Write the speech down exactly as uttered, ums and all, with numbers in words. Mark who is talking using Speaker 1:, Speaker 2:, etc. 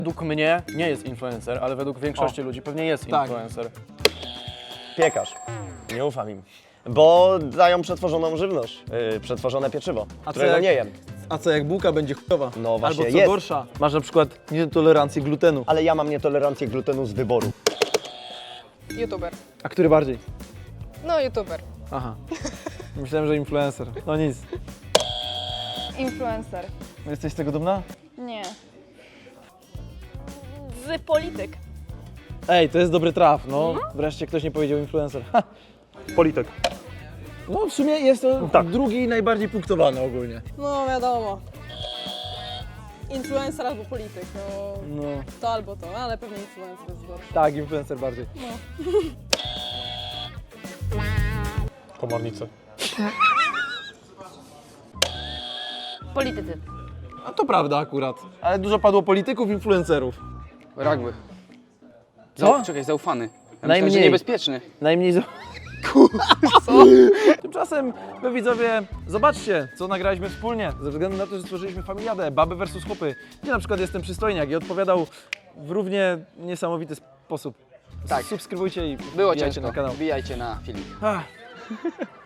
Speaker 1: Według mnie nie jest influencer, ale według większości
Speaker 2: O.
Speaker 1: ludzi pewnie jest
Speaker 2: Tak.
Speaker 1: influencer.
Speaker 3: Piekarz. Nie ufam im. Bo dają przetworzoną żywność, yy, przetworzone pieczywo,
Speaker 2: A co
Speaker 3: którego
Speaker 2: jak-
Speaker 3: nie jem.
Speaker 2: A co jak bułka będzie chujowa?
Speaker 3: No właśnie
Speaker 2: Albo co
Speaker 3: jest.
Speaker 2: gorsza, masz na przykład nietolerancję glutenu.
Speaker 3: Ale ja mam nietolerancję glutenu z wyboru.
Speaker 4: YouTuber.
Speaker 2: A który bardziej?
Speaker 4: No, YouTuber.
Speaker 2: Aha. Myślałem, że influencer. No nic.
Speaker 5: Influencer.
Speaker 2: Jesteś z tego dumna?
Speaker 5: Nie. Z polityk.
Speaker 2: Ej, to jest dobry traf, no. Wreszcie ktoś nie powiedział influencer. Ha.
Speaker 3: Polityk.
Speaker 2: No w sumie jest to
Speaker 3: Tak.
Speaker 2: drugi najbardziej punktowany ogólnie.
Speaker 4: No, wiadomo. Influencer albo polityk, no
Speaker 2: No.
Speaker 4: to albo to, ale pewnie influencer jest gorszy.
Speaker 2: Tak, influencer bardziej.
Speaker 3: Komornicy.
Speaker 5: Politycy.
Speaker 2: A to prawda akurat. Ale dużo padło polityków, influencerów.
Speaker 6: Rugby.
Speaker 2: Co?
Speaker 6: Zau- czekaj, zaufany. Ja myślałem,
Speaker 2: Najmniej.
Speaker 6: że niebezpieczny.
Speaker 2: Najmniej... Z... Tymczasem, wy widzowie, zobaczcie, co nagraliśmy wspólnie, ze względu na to, że stworzyliśmy familiadę Baby versus Chłopy, gdzie na przykład jestem przystojniak i odpowiadał w równie niesamowity sposób.
Speaker 6: Tak.
Speaker 2: Subskrybujcie i
Speaker 6: Było
Speaker 2: wbijajcie
Speaker 6: ciężko.
Speaker 2: na kanał.
Speaker 6: Wbijajcie na filmik.
Speaker 2: Ach.